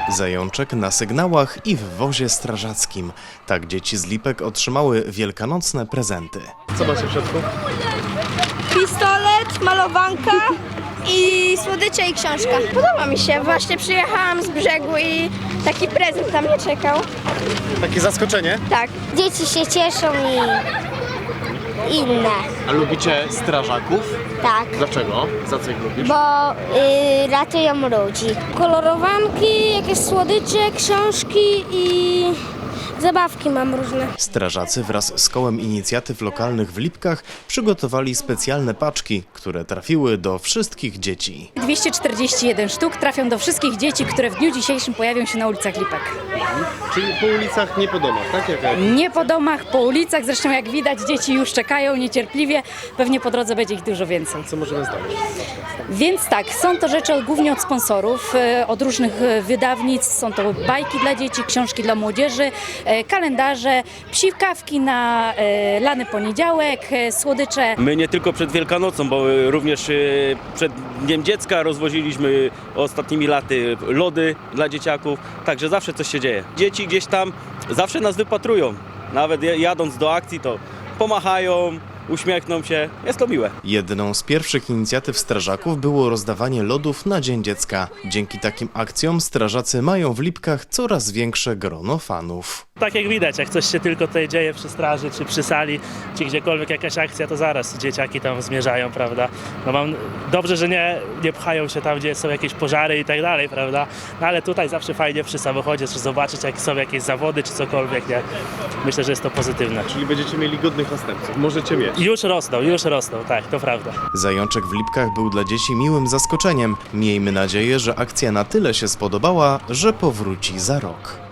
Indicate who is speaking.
Speaker 1: Zajączek na sygnałach i w wozie strażackim. Tak dzieci z Lipek otrzymały wielkanocne prezenty.
Speaker 2: Co macie w środku?
Speaker 3: Pistolet, malowanka i słodycze i książka. Podoba mi się. Właśnie przyjechałam z brzegu i taki prezent na mnie czekał.
Speaker 2: Takie zaskoczenie.
Speaker 3: Tak.
Speaker 4: Dzieci się cieszą i inne,
Speaker 2: A lubicie strażaków?
Speaker 4: tak,
Speaker 2: Dlaczego? Za co ich lubisz?
Speaker 4: bo ratują ludzi. Kolorowanki, jakieś słodycze, książki i zabawki mam różne.
Speaker 1: Strażacy wraz z kołem inicjatyw lokalnych w Lipkach przygotowali specjalne paczki, które trafiły do wszystkich dzieci.
Speaker 5: 241 sztuk trafią do wszystkich dzieci, które w dniu dzisiejszym pojawią się na ulicach Lipek.
Speaker 2: Czyli po ulicach, nie po domach, tak?
Speaker 5: Nie po domach, po ulicach, zresztą jak widać dzieci już czekają niecierpliwie, pewnie po drodze będzie ich dużo więcej.
Speaker 2: Co możemy zdobyć?
Speaker 5: Więc tak, są to rzeczy głównie od sponsorów, od różnych wydawnictw, są to bajki dla dzieci, książki dla młodzieży, kalendarze, psikawki na lany poniedziałek, słodycze.
Speaker 6: My nie tylko przed Wielkanocą, bo również przed Dniem Dziecka rozwoziliśmy ostatnimi laty lody dla dzieciaków, także zawsze coś się dzieje. Dzieci gdzieś tam zawsze nas wypatrują, nawet jadąc do akcji to pomachają, uśmiechną się, jest to miłe.
Speaker 1: Jedną z pierwszych inicjatyw strażaków było rozdawanie lodów na Dzień Dziecka. Dzięki takim akcjom strażacy mają w Lipkach coraz większe grono fanów.
Speaker 7: Tak jak widać, jak coś się tylko tutaj dzieje przy straży, czy przy sali, czy gdziekolwiek jakaś akcja, to zaraz dzieciaki tam zmierzają, prawda? No dobrze, że nie pchają się tam, gdzie są jakieś pożary i tak dalej, prawda? No ale tutaj zawsze fajnie przy samochodzie, czy zobaczyć, jak są jakieś zawody, czy cokolwiek, nie? Myślę, że jest to pozytywne.
Speaker 2: Czyli będziecie mieli godnych następców. Możecie mieć.
Speaker 7: Już rosną, tak, to prawda.
Speaker 1: Zajączek w Lipkach był dla dzieci miłym zaskoczeniem. Miejmy nadzieję, że akcja na tyle się spodobała, że powróci za rok.